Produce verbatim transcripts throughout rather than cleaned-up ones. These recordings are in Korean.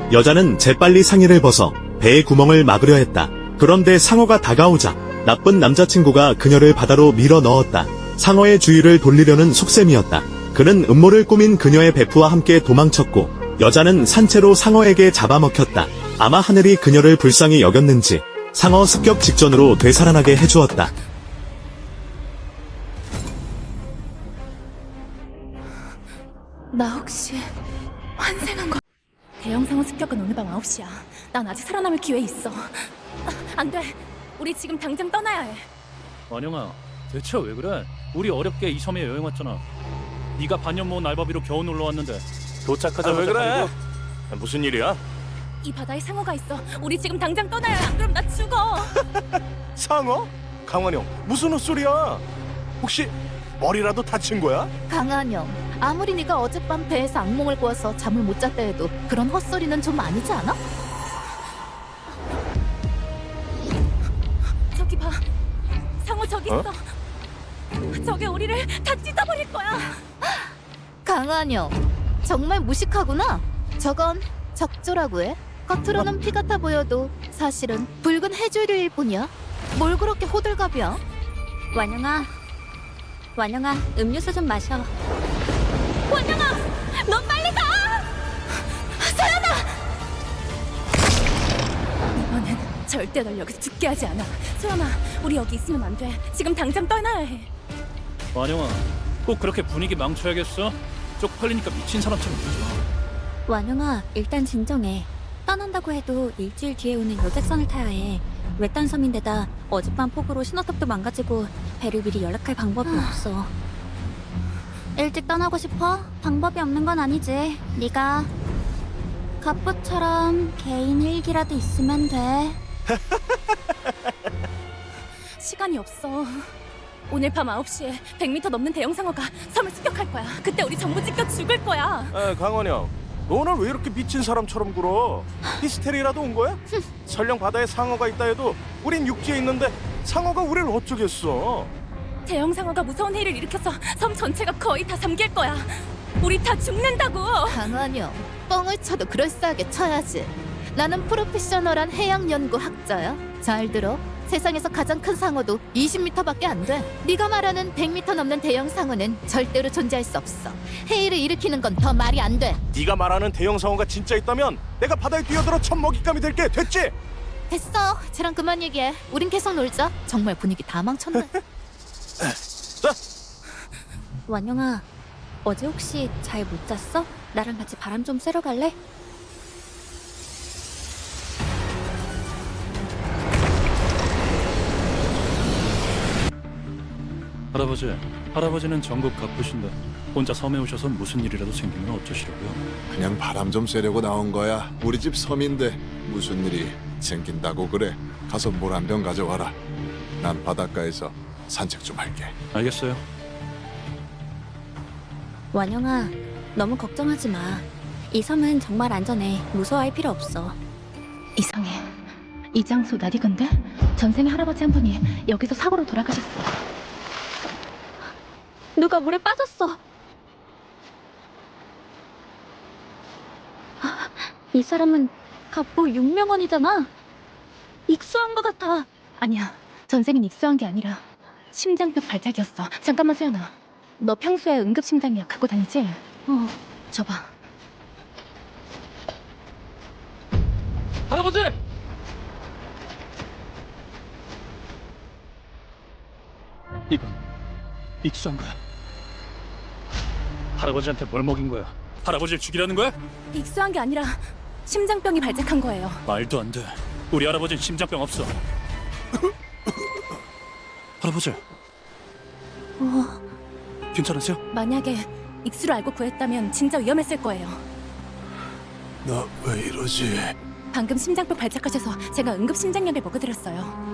여자는 재빨리 상의를 벗어 배의 구멍을 막으려 했다. 그런데 상어가 다가오자 나쁜 남자친구가 그녀를 바다로 밀어 넣었다. 상어의 주위를 돌리려는 속셈이었다. 그는 음모를 꾸민 그녀의 베프와 함께 도망쳤고 여자는 산채로 상어에게 잡아먹혔다. 아마 하늘이 그녀를 불쌍히 여겼는지 상어 습격 직전으로 되살아나게 해주었다. 나 혹시 환생한 거? 대형 상어 습격은 오늘 밤 아홉 시야. 난 아직 살아남을 기회 있어. 아, 안 돼. 우리 지금 당장 떠나야 해. 완영아, 대체 왜 그래? 우리 어렵게 이 섬에 여행 왔잖아. 네가 반년 모은 알바비로 겨우 놀러 왔는데 도착하자마자 아, 왜 그래? 그리고- 무슨 일이야? 이 바다에 상어가 있어. 우리 지금 당장 떠나야 해. 안 그럼 나 죽어. 상어? 강환영, 무슨 헛소리야? 혹시 머리라도 다친 거야? 강한영, 아무리 네가 어젯밤 배에서 악몽을 꾸어서 잠을 못 잤다 해도 그런 헛소리는 좀 아니지 않아? 저기 봐. 상어 저기 어? 있어. 저게 우리를 다 찢어버릴 거야. 강한영, 정말 무식하구나. 저건 적조라고 해. 겉으로는 피 같아 보여도 사실은 붉은 해조류일 뿐이야. 뭘 그렇게 호들갑이야? 완영아, 완영아, 음료수 좀 마셔. 원영아, 넌 빨리 가! 서연아! 이번엔 절대 널 여기서 죽게 하지 않아. 소연아, 우리 여기 있으면 안 돼. 지금 당장 떠나야 해. 완영아, 꼭 그렇게 분위기 망쳐야겠어? 쪽팔리니까 미친 사람처럼 굴지 마. 완영아, 일단 진정해. 떠난다고 해도 일주일 뒤에 오는 여객선을 타야 해. 외딴 섬인데다 어젯밤 폭우로 신호탑도 망가지고 배를 미리 연락할 방법이 없어. 일찍 떠나고 싶어? 방법이 없는 건 아니지. 네가 갑부처럼 개인 일기라도 있으면 돼. 시간이 없어. 오늘 밤 아홉 시에 백 미터 넘는 대형 상어가 섬을 습격할 거야. 그때 우리 전부 찢겨 죽을 거야. 에, 강환영, 너 오늘 왜 이렇게 미친 사람처럼 굴어? 히스테리라도 온 거야? 설령 바다에 상어가 있다 해도 우린 육지에 있는데 상어가 우리를 어쩌겠어? 대형 상어가 무서운 해를 일으켜서 섬 전체가 거의 다 잠길 거야. 우리 다 죽는다고. 강한영, 뻥을 쳐도 그럴싸하게 쳐야지. 나는 프로페셔널한 해양연구 학자야. 잘 들어. 세상에서 가장 큰 상어도 이십 미터밖에 안 돼. 네가 말하는 백 미터 넘는 대형 상어는 절대로 존재할 수 없어. 해일을 일으키는 건 더 말이 안 돼. 네가 말하는 대형 상어가 진짜 있다면 내가 바다에 뛰어들어 첫 먹잇감이 될게. 됐지? 됐어. 쟤랑 그만 얘기해. 우린 계속 놀자. 정말 분위기 다 망쳤네. 자, 완영아, 어제 혹시 잘 못 잤어? 나랑 같이 바람 좀 쐬러 갈래? 할아버지, 할아버지는 전국 가쁘신데 혼자 섬에 오셔서 무슨 일이라도 생기면 어쩌시려고요? 그냥 바람 좀 쐬려고 나온 거야. 우리 집 섬인데 무슨 일이 생긴다고 그래. 가서 물 한 병 가져와라. 난 바닷가에서 산책 좀 할게. 알겠어요. 완영아, 너무 걱정하지 마. 이 섬은 정말 안전해. 무서워할 필요 없어. 이상해. 이 장소 낯익은데? 전생에 할아버지 한 분이 여기서 사고로 돌아가셨어. 누가 물에 빠졌어. 아, 이 사람은 갑부 육명원이잖아. 익수한 것 같아. 아니야. 전생엔 익수한 게 아니라 심장벽 발작이었어. 잠깐만 소연아. 너 평소에 응급심장약 갖고 다니지? 어, 줘봐. 할아버지! 이건 익수한 거야. 할아버지한테 뭘 먹인 거야? 할아버지를 죽이라는 거야? 익수한 게 아니라 심장병이 발작한 거예요. 말도 안 돼. 우리 할아버지는 심장병 없어. 할아버지, 어, 괜찮으세요? 만약에 익수를 알고 구했다면 진짜 위험했을 거예요. 나 왜 이러지? 방금 심장병 발작하셔서 제가 응급 심장약을 먹어드렸어요.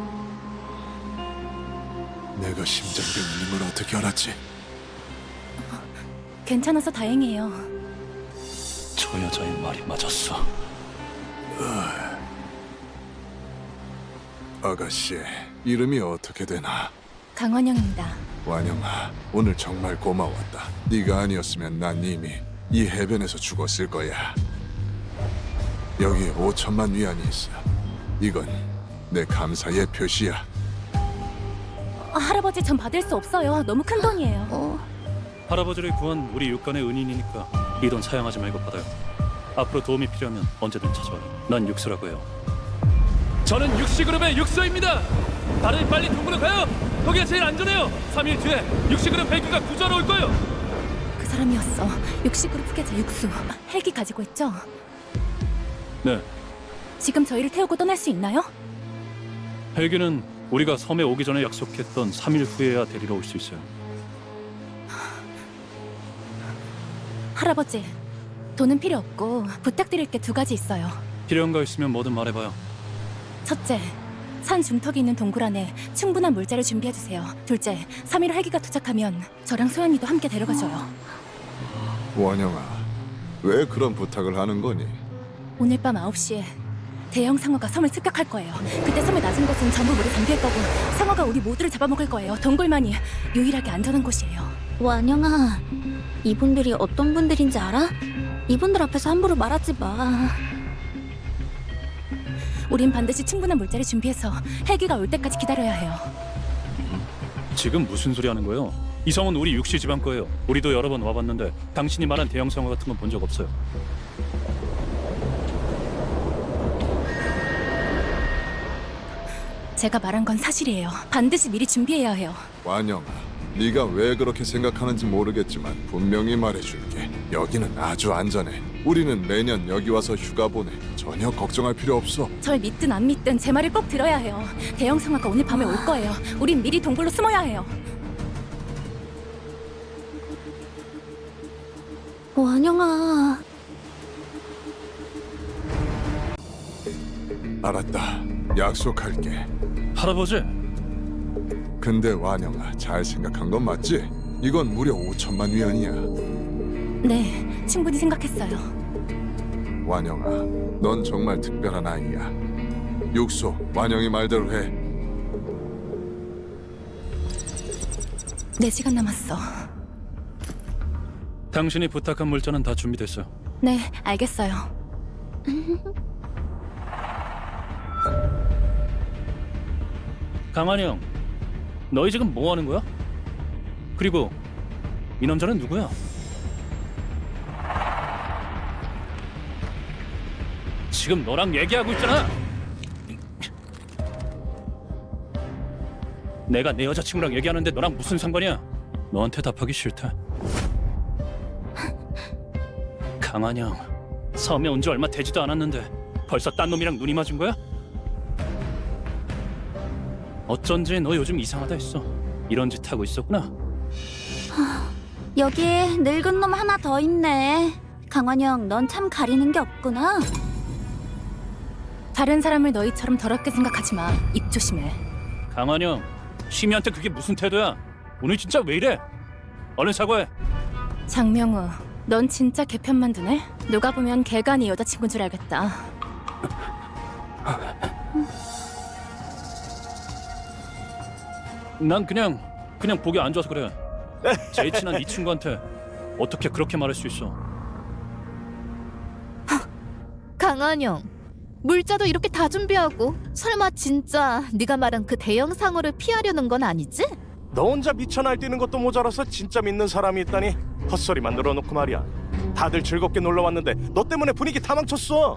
내가 심장병인 걸 어떻게 알았지? 괜찮아서 다행이에요. 저 여자의 말이 맞았어. 아가씨, 이름이 어떻게 되나? 강원영입니다. 완영아, 오늘 정말 고마웠다. 네가 아니었으면 난 이미 이 해변에서 죽었을 거야. 여기에 오천만 위안이 있어. 이건 내 감사의 표시야. 아, 할아버지 전 받을 수 없어요. 너무 큰 돈이에요. 어, 할아버지를 구한 우리 육간의 은인이니까 이 돈 사양하지 말고 받아요. 앞으로 도움이 필요하면 언제든 찾아와요. 난 육수라고 해요. 저는 육시그룹의 육수입니다. 다들 빨리 동굴로 가요. 거기가 제일 안전해요. 삼 일 뒤에 육시그룹 헬기가 구조하러 올 거예요. 그 사람이었어. 육시그룹 후계자 육수. 헬기 가지고 있죠? 네, 지금 저희를 태우고 떠날 수 있나요? 헬기는 우리가 섬에 오기 전에 약속했던 삼 일 후에야 데리러 올 수 있어요. 할아버지, 돈은 필요 없고 부탁드릴 게 두 가지 있어요. 필요한 거 있으면 뭐든 말해봐요. 첫째, 산 중턱에 있는 동굴 안에 충분한 물자를 준비해주세요. 둘째, 삼 일 헬기가 도착하면 저랑 소연이도 함께 데려가줘요. 원영아, 왜 그런 부탁을 하는 거니? 오늘 밤 아홉 시에 대형 상어가 섬을 습격할 거예요. 그때 섬의 낮은 곳은 전부 물에 잠길 거고 상어가 우리 모두를 잡아먹을 거예요. 동굴만이 유일하게 안전한 곳이에요. 완영아, 이분들이 어떤 분들인지 알아? 이분들 앞에서 함부로 말하지 마. 우린 반드시 충분한 물자를 준비해서 헬기가 올 때까지 기다려야 해요. 지금 무슨 소리 하는 거예요? 이 섬은 우리 육시 집안 거예요. 우리도 여러 번 와봤는데 당신이 말한 대형 상어 같은 건 본 적 없어요. 제가 말한 건 사실이에요. 반드시 미리 준비해야 해요. 완영아, 네가 왜 그렇게 생각하는지 모르겠지만 분명히 말해줄게. 여기는 아주 안전해. 우리는 매년 여기 와서 휴가 보내. 전혀 걱정할 필요 없어. 절 믿든 안 믿든 제 말을 꼭 들어야 해요. 대형 상어가 오늘 밤에 올 거예요. 우린 미리 동굴로 숨어야 해요. 완영아, 알았다. 약속할게. 할아버지, 근데 완영아, 잘 생각한 건 맞지? 이건 무려 오천만 위안이야. 네, 충분히 생각했어요. 완영아, 넌 정말 특별한 아이야. 육소, 완영이 말대로 해. 네 시간 남았어. 당신이 부탁한 물자는 다 준비됐어요. 네, 알겠어요. 강한이 형, 너희 지금 뭐 하는 거야? 그리고 이 남자는 누구야? 지금 너랑 얘기하고 있잖아. 내가 내 여자친구랑 얘기하는데 너랑 무슨 상관이야? 너한테 답하기 싫다. 강한이 형, 섬에 온 지 얼마 되지도 않았는데 벌써 딴 놈이랑 눈이 맞은 거야? 어쩐지 너 요즘 이상하다 했어. 이런 짓 하고 있었구나. 여기에 늙은 놈 하나 더 있네. 강환영, 넌 참 가리는 게 없구나. 다른 사람을 너희처럼 더럽게 생각하지 마. 입 조심해. 강한영, 시미한테 그게 무슨 태도야? 오늘 진짜 왜 이래? 얼른 사과해. 장명우, 넌 진짜 개편만 두네? 누가 보면 걔가 네 여자친구인 줄 알겠다. 난 그냥 그냥 보기 안 좋아서 그래. 제일 친한 네 친구한테 어떻게 그렇게 말할 수 있어? 강한영, 물자도 이렇게 다 준비하고 설마 진짜 네가 말한 그 대형 상어를 피하려는 건 아니지? 너 혼자 미쳐 날뛰는 것도 모자라서 진짜 믿는 사람이 있다니 헛소리만 늘어놓고 말이야. 다들 즐겁게 놀러 왔는데 너 때문에 분위기 다 망쳤어.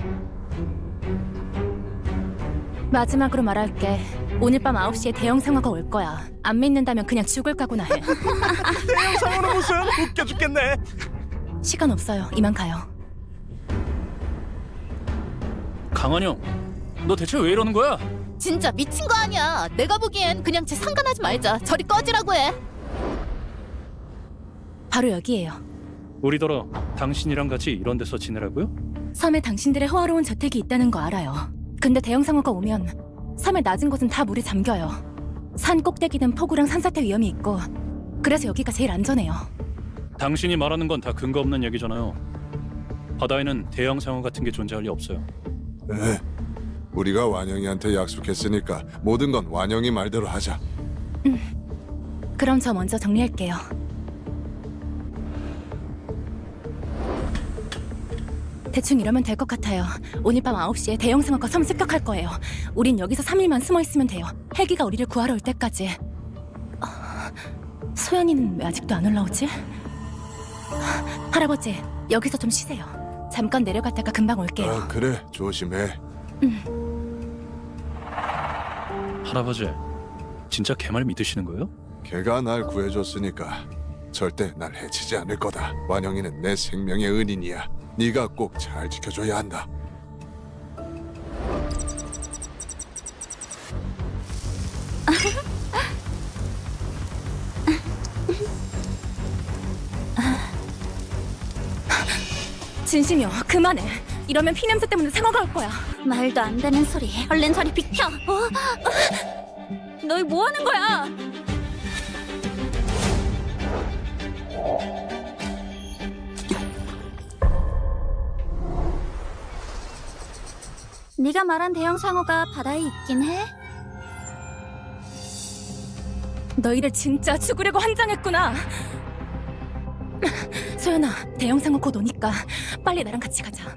마지막으로 말할게. 오늘 밤 아홉 시에 대형 상어가 올 거야. 안 믿는다면 그냥 죽을 각오나 해. 대형 상어는 무슨 웃겨 죽겠네. 시간 없어요. 이만 가요. 강한영, 너 대체 왜 이러는 거야? 진짜 미친 거 아니야. 내가 보기엔 그냥 쟤 상관하지 말자. 저리 꺼지라고 해. 바로 여기예요. 우리더러 당신이랑 같이 이런 데서 지내라고요? 섬에 당신들의 호화로운 저택이 있다는 거 알아요. 근데 대형 상어가 오면 섬의 낮은 곳은 다 물에 잠겨요. 산 꼭대기는 폭우랑 산사태 위험이 있고 그래서 여기가 제일 안전해요. 당신이 말하는 건 다 근거 없는 얘기잖아요. 바다에는 대형 상어 같은 게 존재할 리 없어요. 네, 우리가 완영이한테 약속했으니까 모든 건 완영이 말대로 하자. 그럼 저 먼저 정리할게요. 대충 이러면 될 것 같아요. 오늘 밤 아홉 시에 대형 상어가 섬 습격할 거예요. 우린 여기서 삼 일만 숨어 있으면 돼요. 헬기가 우리를 구하러 올 때까지. 아, 소연이는 왜 아직도 안 올라오지? 할아버지, 여기서 좀 쉬세요. 잠깐 내려갔다가 금방 올게요. 아, 그래, 조심해. 할아버지, 진짜 걔 말 믿으시는 거예요? 걔가 날 구해줬으니까 절대 날 해치지 않을 거다. 완영이는 내 생명의 은인이야. 네가 꼭 잘 지켜줘야 한다. 진심이요, 그만해. 이러면 피냄새 때문에 상어가 올 거야. 말도 안 되는 소리. 얼른 저리 비켜. 어? 너희 뭐 하는 거야? 네가 말한 대형 상어가 바다에 있긴 해? 너희를 진짜 죽으려고 환장했구나. 소연아, 대형 상어 곧 오니까 빨리 나랑 같이 가자.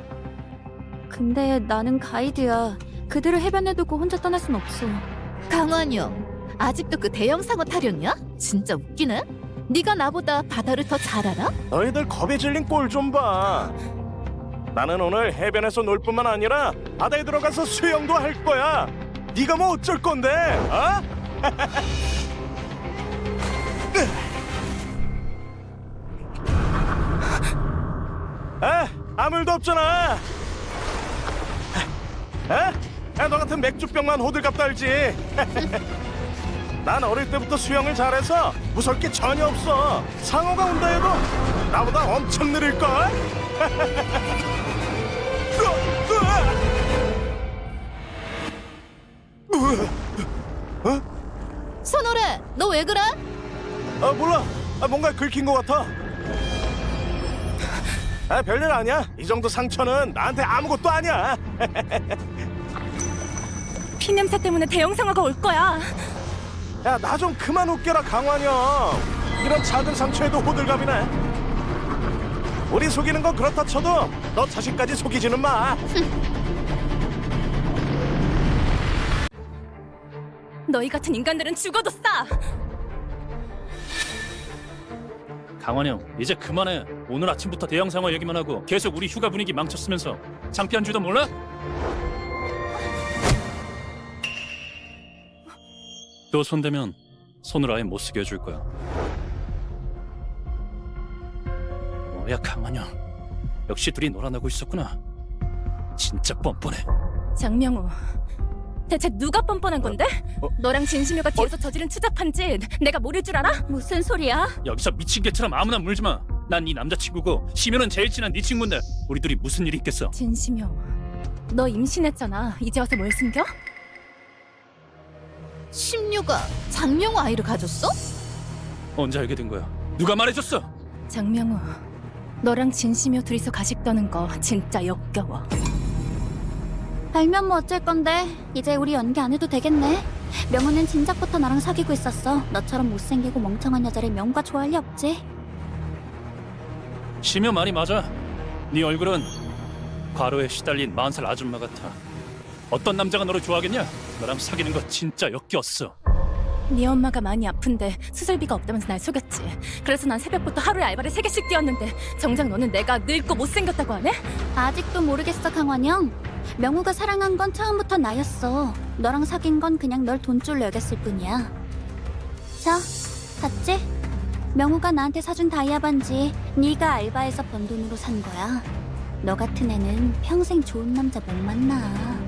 근데 나는 가이드야. 그들을 해변에 두고 혼자 떠날 순 없어. 강환영, 아직도 그 대형 상어 타령이야? 진짜 웃기네. 네가 나보다 바다를 더 잘 알아? 너희들 겁에 질린 꼴 좀 봐. 나는 오늘 해변에서 놀 뿐만 아니라 바다에 들어가서 수영도 할 거야. 네가 뭐 어쩔 건데? 어? 아, 아무 일도 없잖아. 아? 야, 너 같은 맥주병만 호들갑 떨지. 난 어릴 때부터 수영을 잘해서 무서울 게 전혀 없어. 상어가 온다 해도 나보다 엄청 느릴걸? 선호래, 너 왜 그래? 아, 몰라. 아, 뭔가 긁힌 것 같아. 아, 별일 아니야. 이 정도 상처는 나한테 아무것도 아니야. 피냄새 때문에 대형 상어가 올 거야. 야, 나 좀 그만 웃겨라, 강환영. 이런 작은 상처에도 호들갑이네. 우리 속이는 건 그렇다 쳐도 너 자신까지 속이지는 마. 너희 같은 인간들은 죽어도 싸. 강환영, 이제 그만해. 오늘 아침부터 대형 상어 얘기만 하고 계속 우리 휴가 분위기 망쳤으면서 창피한 줄도 몰라? 또 손대면 손을 아예 못 쓰게 해줄 거야. 뭐야, 강환영. 역시 둘이 놀아나고 있었구나. 진짜 뻔뻔해. 장명우, 대체 누가 뻔뻔한 건데? 어? 너랑 진심이가 뒤에서 저지른 추잡한 짓 내가 모를 줄 알아? 무슨 소리야? 여기서 미친 개처럼 아무나 물지 마. 난 네 남자친구고 심효는 제일 친한 네 친구인데 우리 둘이 무슨 일이 있겠어? 진심이요, 너 임신했잖아. 이제 와서 뭘 숨겨? 심유가 장명우 아이를 가졌어? 언제 알게 된 거야? 누가 말해줬어? 장명우, 너랑 진심이요 둘이서 가식 떠는 거 진짜 역겨워. 알면 뭐 어쩔 건데. 이제 우리 연기 안 해도 되겠네. 명우는 진작부터 나랑 사귀고 있었어. 너처럼 못생기고 멍청한 여자를 명우가 좋아할 리 없지. 심효 말이 맞아. 네 얼굴은 과로에 시달린 마흔 살 아줌마 같아. 어떤 남자가 너를 좋아하겠냐? 너랑 사귀는 거 진짜 역겨웠어. 네 엄마가 많이 아픈데 수술비가 없다면서 날 속였지. 그래서 난 새벽부터 하루에 알바를 세 개씩 뛰었는데 정작 너는 내가 늙고 못생겼다고 하네? 아직도 모르겠어, 강환영. 명우가 사랑한 건 처음부터 나였어. 너랑 사귄 건 그냥 널 돈줄로 여겼을 뿐이야. 자, 봤지? 명우가 나한테 사준 다이아 반지 네가 알바해서 번 돈으로 산 거야. 너 같은 애는 평생 좋은 남자 못 만나.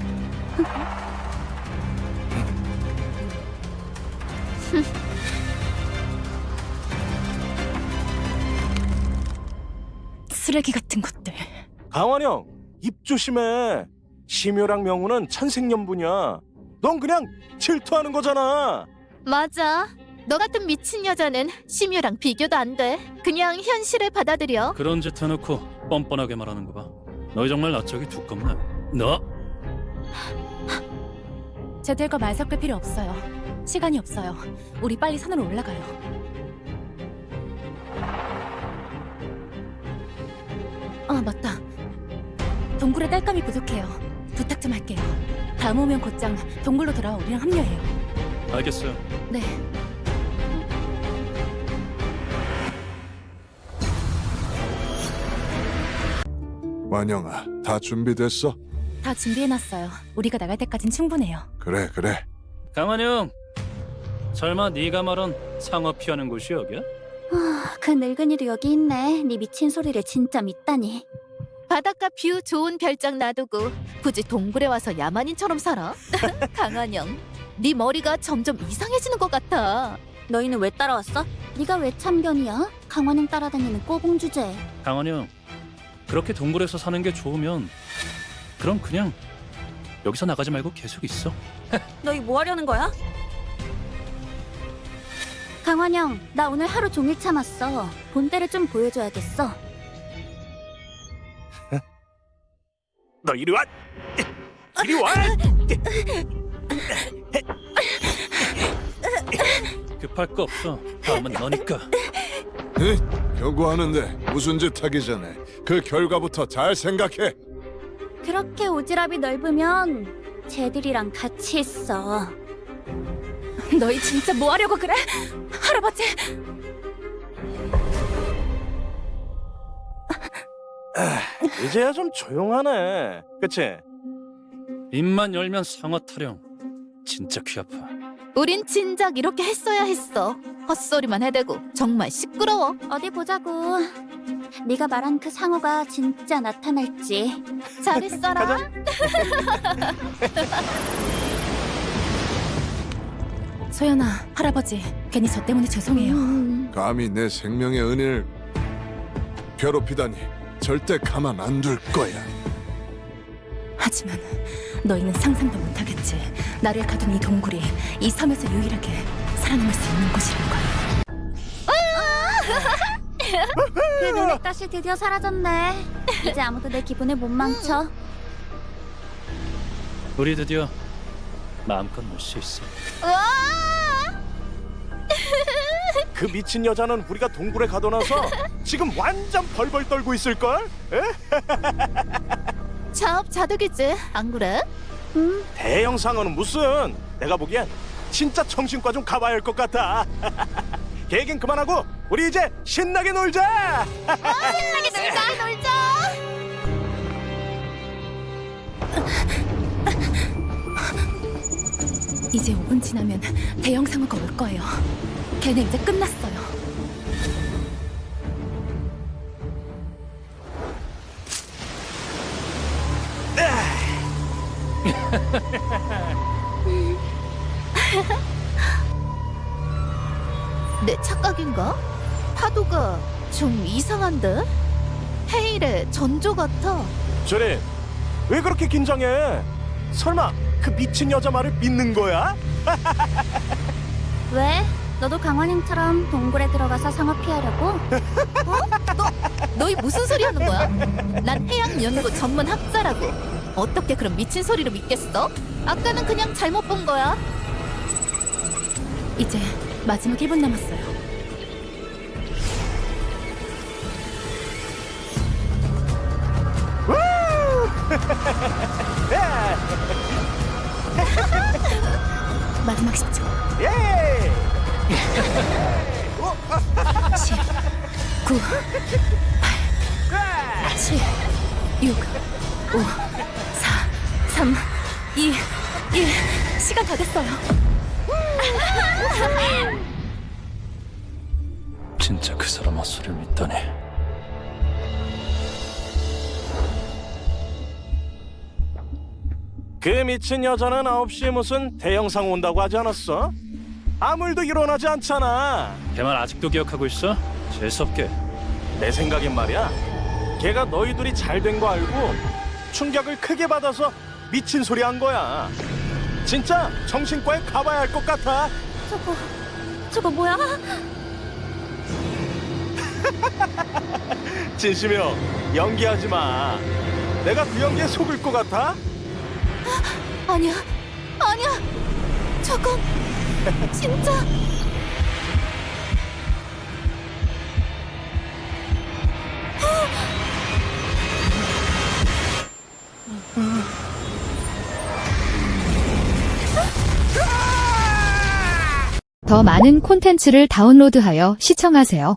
쓰레기 같은 것들. 강환영, 입 조심해. 심효랑 명우는 천생연분이야. 넌 그냥 질투하는 거잖아. 맞아. 너 같은 미친 여자는 심유랑 비교도 안 돼. 그냥 현실을 받아들여. 그런 짓 해놓고 뻔뻔하게 말하는 거 봐. 너 정말 낯짝이 두껍네. 너? 쟤들과 말 섞을 필요 없어요. 시간이 없어요. 우리 빨리 산으로 올라가요. 아, 맞다. 동굴에 딸감이 부족해요. 부탁 좀 할게요. 다음 오면 곧장 동굴로 돌아와 우리랑 합류해요. 알겠어요. 네. 완영아, 다 준비됐어? 다 준비해놨어요. 우리가 나갈 때까진 충분해요. 그래, 그래. 강한영, 설마 네가 말한 상어 피하는 곳이 여기야? 그 늙은이도 여기 있네. 네 미친 소리를 진짜 믿다니. 바닷가 뷰 좋은 별장 놔두고 굳이 동굴에 와서 야만인처럼 살아? 강한영, 네 머리가 점점 이상해지는 것 같아. 너희는 왜 따라왔어? 네가 왜 참견이야? 강환영 따라다니는 꼬봉 주제. 강한영, 그렇게 동굴에서 사는 게 좋으면 그럼 그냥 여기서 나가지 말고 계속 있어. 너희 뭐 하려는 거야? 강환영, 나 오늘 하루 종일 참았어. 본때를 좀 보여줘야겠어. 너 이리 와. 이리 와. 급할 거 없어. 다음은 너니까. 에? 경고하는데 무슨 짓 하기 전에 그 결과부터 잘 생각해. 그렇게 오지랖이 넓으면 쟤들이랑 같이 있어. 너희 진짜 뭐 하려고 그래? 할아버지! 이제야 좀 조용하네. 그치? 입만 열면 상어 타령. 진짜 귀 아파. 우린 진작 이렇게 했어야 했어. 헛소리만 해대고 정말 시끄러워. 어디 보자고. 네가 말한 그 상어가 진짜 나타날지. 잘 있어라. 가자. 소연아, 할아버지, 괜히 저 때문에 죄송해요. 음, 감히 내 생명의 은혜를 괴롭히다니 절대 가만 안 둘 거야. 하지만 너희는 상상도 못하겠지. 나를 가둔 이 동굴이 이 섬에서 유일하게 살아남을 수 있는 곳이라는 걸. 그 눈의 가시 드디어 사라졌네. 이제 아무도 내 기분을 못 망쳐. 우리 드디어 마음껏 놀 수 있어. 그 미친 여자는 우리가 동굴에 가둬놔서 지금 완전 벌벌 떨고 있을걸? 에? 자업자득이지, 안 그래? 음, 대형 상어는 무슨? 내가 보기엔 진짜 정신과 좀 가봐야 할 것 같아. 계획은 그만하고 우리 이제 신나게 놀자. 신나게 놀자, 놀자. 이제 오 분 지나면 대형 상어가 올 거예요. 걔네 이제 끝났어요. 내 착각인가? 파도가 좀 이상한데? 헤일의 전조 같아. 저리 왜 그렇게 긴장해? 설마 그 미친 여자 말을 믿는 거야? 왜? 너도 강환영처럼 동굴에 들어가서 상어 피하려고? 너희 무슨 소리 하는 거야? 난 해양연구 전문 학자라고. 어떻게 그런 미친 소리를 믿겠어? 아까는 그냥 잘못 본 거야. 이제 마지막 일 분 남았어요. 마지막 십 초. 예! 십, 구, 팔, 칠, 육, 오, 사, 삼, 이, 일. 시간 다 됐어요. 진짜 그 사람 헛소리를 믿다니. 그 미친 여자는 아홉 시에 무슨 대형 상어 온다고 하지 않았어? 아무 일도 일어나지 않잖아. 걔 말 아직도 기억하고 있어? 재수없게. 내 생각엔 말이야. 걔가 너희 둘이 잘 된 거 알고 충격을 크게 받아서 미친 소리 한 거야. 진짜 정신과에 가봐야 할 것 같아. 저거, 저거 뭐야? 진심이요. 연기하지 마. 내가 그 연기에 속을 것 같아? 아니야, 아니야. 저건 진짜. 더 많은 콘텐츠를 다운로드하여 시청하세요.